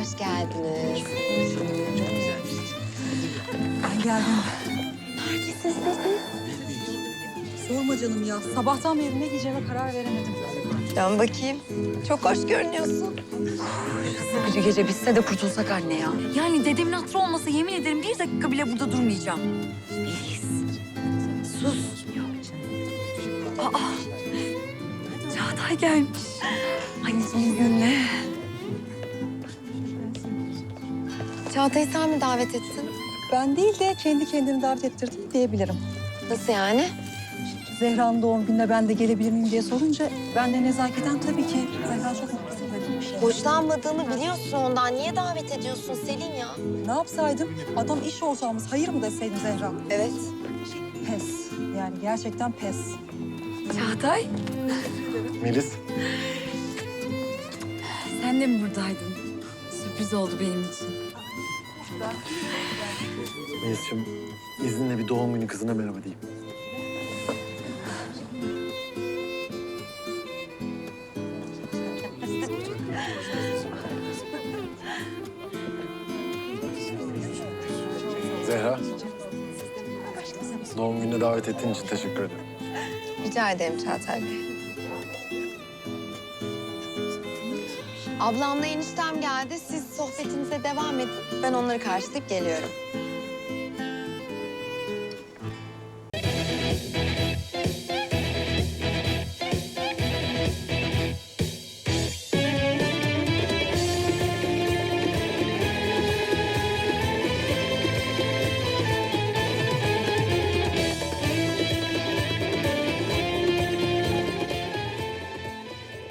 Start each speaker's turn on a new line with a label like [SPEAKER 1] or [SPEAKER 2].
[SPEAKER 1] Hoş geldiniz.
[SPEAKER 2] Ben geldim.
[SPEAKER 1] Neredesiniz siz?
[SPEAKER 2] Sorma canım ya. Sabahtan beri ne giyeceğime karar veremedim.
[SPEAKER 1] Dön bakayım. Çok hoş görünüyorsun.
[SPEAKER 2] Bir gece bitse de kurtulsak anne ya.
[SPEAKER 3] Yani dedemin hatırı olmasa yemin ederim 1 dakika bile burada durmayacağım. Melis. Sus. Aa. Çağatay gelmiş. Anne son günle.
[SPEAKER 1] Çağatay'ı sen mi davet ettin?
[SPEAKER 2] Ben değil de kendi kendimi davet ettirdim diyebilirim.
[SPEAKER 1] Nasıl yani?
[SPEAKER 2] Zehra'nın doğum gününe ben de gelebilir miyim diye sorunca ben de nezaketen tabii ki Zehra çok mutlu dedim.
[SPEAKER 1] Hoşlanmadığını biliyorsun ondan. Niye davet ediyorsun Selin ya?
[SPEAKER 2] Ne yapsaydım? Adam iş ortağımız. Hayır mı deseydim Zehra?
[SPEAKER 1] Evet.
[SPEAKER 2] Pes. Yani gerçekten pes.
[SPEAKER 3] Çağatay,
[SPEAKER 4] Melis,
[SPEAKER 3] sen de mi buradaydın? Sürpriz oldu benim için.
[SPEAKER 4] Melis'ciğim izninle bir doğum günü kızına merhaba diyeyim. Zehra, doğum gününe davet ettiğin için teşekkür ederim.
[SPEAKER 1] Rica ederim Çağatay Bey. Ablamla eniştem geldi. Siz sohbetinize devam edin. Ben onları karşılayıp geliyorum.